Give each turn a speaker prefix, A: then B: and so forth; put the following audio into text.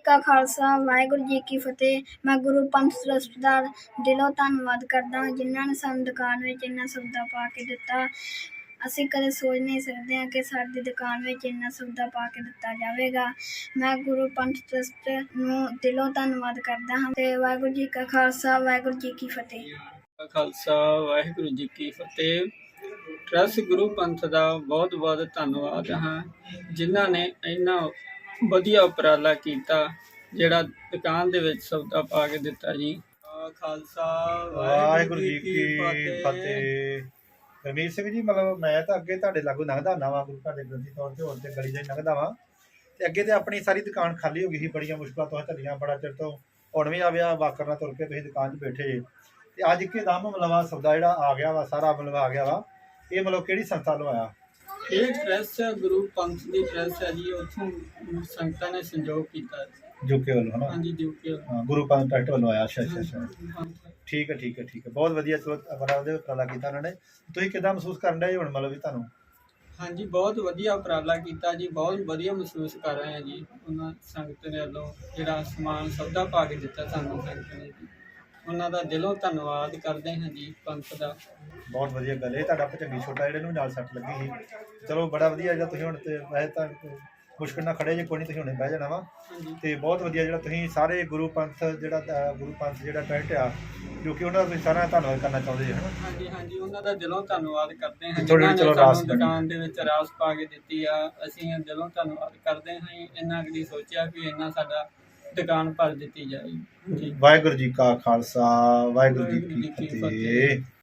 A: का खालसा वाहिगुरू जी की फतेह। मैं गुरु पंथ ट्रस्ट ਦਾ ਦਿਲੋਂ ਧੰਨਵਾਦ ਕਰਦਾ ਹਾਂ ਜਿਨ੍ਹਾਂ ਨੇ ਸਾਨੂੰ ਦੁਕਾਨ ਵਿੱਚ ਇੰਨਾ ਸੌਦਾ ਪਾ ਕੇ ਦਿੱਤਾ। ਅਸੀਂ ਕਦੇ ਸੋਚ ਨਹੀਂ ਸਕਦੇ ਹਾਂ ਕਿ ਸਾਡੀ ਦੁਕਾਨ ਵਿੱਚ ਇੰਨਾ ਸੌਦਾ ਪਾ ਕੇ ਦਿੱਤਾ ਜਾਵੇਗਾ। ਮੈਂ ਗੁਰੂ ਪੰਥ ਟਰਸਟ ਨੂੰ ਦਿਲੋਂ ਧੰਨਵਾਦ ਕਰਦਾ ਹਾਂ ਤੇ ਵਾਹਿਗੁਰੂ ਜੀ ਕਾ ਖਾਲਸਾ ਵਾਹਿਗੁਰੂ ਜੀ ਕੀ ਫਤਿਹ।
B: ਖਾਲਸਾ ਵਾਹਿਗੁਰੂ ਜੀ ਕੀ ਫਤਿਹ। ਟਰੱਸਟ ਗੁਰੂ ਪੰਥ ਦਾ ਬਹੁਤ ਬਹੁਤ ਧੰਨਵਾਦ ਹਾਂ ਜਿਨ੍ਹਾਂ ਨੇ ਇੰਨਾ ਵਧੀਆ ਉਪਰਾਲਾ ਕੀਤਾ ਜਿਹੜਾ ਦੁਕਾਨ ਦੇ ਵਿੱਚ ਸੌਦਾ ਪਾ ਕੇ ਦਿੱਤਾ ਜੀ। ਖਾਲਸਾ
C: ਵਾਹਿਗੁਰੂ ਜੀ ਕੀ ਫਤਿਹ। ਰਮੀਤ ਸਿੰਘ ਜੀ, ਮਤਲਬ ਮੈਂ ਤਾਂ ਅੱਗੇ ਤੁਹਾਡੇ ਲਾਗੂ ਲੰਘਦਾ ਹੁੰਦਾ ਵਾਂ, ਗੁਰੂ ਤੁਹਾਡੇ ਗ੍ਰੰਥੀ ਤੌਰ ਤੇ ਹੋਰ ਤੇ ਗਲੀ ਦੇ ਲੰਘਦਾ ਵਾਂ ਤੇ ਅੱਗੇ ਤੇ ਆਪਣੀ ਸਾਰੀ ਦੁਕਾਨ ਖਾਲੀ ਹੋ ਗਈ ਸੀ। ਬੜੀਆਂ ਮੁਸ਼ਕਲਾਂ ਤੋਂ ਝੱਲੀਆਂ, ਬੜਾ ਚਿਰ ਤੋਂ ਹੁਣ ਵੀ ਆ ਵਿਆਹ ਵਾਕਰ ਨਾਲ ਤੁਰ ਕੇ ਤੁਸੀਂ ਦੁਕਾਨ 'ਚ ਬੈਠੇ ਜੇ ਤੇ ਅੱਜ ਇੱਕਦਮ ਮਤਲਬ ਸੌਦਾ ਜਿਹੜਾ ਆ ਗਿਆ ਵਾ, ਸਾਰਾ ਮਤਲਬ ਆ ਗਿਆ ਵਾ। ਇਹ ਮਤਲਬ ਕਿਹੜੀ ਸੰਸਥਾ ਵੱਲੋਂ ਆਇਆ?
B: ਇਹ ਟਰੱਸਟ ਗੁਰੂ ਪੰਥ ਦੀ ਟਰੱਸਟ ਹੈ ਜੀ। ਉੱਥੋਂ ਸੰਗਤਾਂ ਨੇ ਸੰਯੋਗ ਕੀਤਾ
C: ਜੁਕੇ ਵੱਲੋਂ, ਹਨਾ?
B: ਹਾਂਜੀ, ਜੁਕੇ
C: ਗੁਰੂ ਪੰਥ ਟਰੱਸਟ ਵੱਲੋਂ ਆਇਆ। ਅੱਛਾ ਅੱਛਾ ਅੱਛਾ,
B: ਹਾਂਜੀ।
C: ਠੀਕ ਹੈ ਠੀਕ ਹੈ ਠੀਕ ਹੈ, ਬਹੁਤ ਵਧੀਆ। ਚਲੋ ਬੜਾ ਵਧੀਆ ਉਪਰਾਲਾ ਕੀਤਾ ਉਹਨਾਂ ਨੇ। ਤੁਸੀਂ ਕਿੱਦਾਂ ਮਹਿਸੂਸ ਕਰਨ ਡਏ ਹੁਣ ਮਤਲਬ ਵੀ ਤੁਹਾਨੂੰ?
B: ਹਾਂਜੀ, ਬਹੁਤ ਵਧੀਆ ਉਪਰਾਲਾ ਕੀਤਾ ਜੀ। ਬਹੁਤ ਵਧੀਆ ਮਹਿਸੂਸ ਕਰ ਰਹੇ ਹਾਂ ਜੀ। ਉਹਨਾਂ ਸੰਗਤ ਦੇ ਵੱਲੋਂ ਜਿਹੜਾ ਸਮਾਨ ਸੌਦਾ ਪਾ ਕੇ ਦਿੱਤਾ ਸਾਨੂੰ ਸੰਗਤ ਨੇ ਜੀ, ਉਹਨਾਂ ਦਾ ਦਿਲੋਂ ਧੰਨਵਾਦ ਕਰਦੇ ਹਾਂ ਜੀ ਪੰਥ ਦਾ।
C: ਬਹੁਤ ਵਧੀਆ ਗੱਲ ਹੈ। ਤੁਹਾਡਾ ਭਚੰਗੀ ਛੋਟਾ ਜਿਹੜੇ ਨੂੰ ਨਾਲ ਸੱਟ ਲੱਗੀ ਸੀ, ਚਲੋ ਬੜਾ ਵਧੀਆ ਜਿਹੜਾ ਤੁਸੀਂ ਹੁਣ ਤੇ ਵੈਸੇ ਤਾਂ ਮੁਸ਼ਕਿਲ ਨਾਲ ਖੜੇ ਜੇ, ਕੋਈ ਨਹੀਂ, ਤੁਸੀਂ ਹੁਣੇ ਬਹਿ ਜਾਣਾ ਵਾ। ਤੇ ਬਹੁਤ ਵਧੀਆ ਜਿਹੜਾ ਤੁਸੀਂ ਸਾਰੇ ਗੁਰੂ ਪੰਥ ਜਿਹੜਾ ਟਰੱਸਟ ਆ ਜੋ ਕਿ ਉਹਨਾਂ ਦਾ ਤੁਸੀਂ ਸਾਰਾ ਧੰਨਵਾਦ ਕਰਨਾ ਚਾਹੁੰਦੇ ਜੀ, ਹਨਾ?
B: ਹਾਂਜੀ ਹਾਂਜੀ, ਉਹਨਾਂ ਦਾ ਦਿਲੋਂ ਧੰਨਵਾਦ ਕਰਦੇ ਹਾਂ
C: ਜਿਨ੍ਹਾਂ ਨੇ ਸਾਨੂੰ
B: ਦੁਕਾਨ ਦੇ ਵਿੱਚ ਰਾਸ ਪਾ ਕੇ ਦਿੱਤੀ ਆ। ਅਸੀਂ ਦਿਲੋਂ ਧੰਨਵਾਦ ਕਰਦੇ ਹਾਂ। ਇੰਨਾ ਕਦੀ ਸੋਚਿਆ ਵੀ ਇੰਨਾ ਸਾਡਾ ਦੁਕਾਨ ਭਰ ਦਿੱਤੀ ਜਾਏਗੀ।
C: ਵਾਹਿਗੁਰੂ ਜੀ ਕਾ ਖਾਲਸਾ ਵਾਹਿਗੁਰੂ ਜੀ ਕੀ ਫਤਿਹ।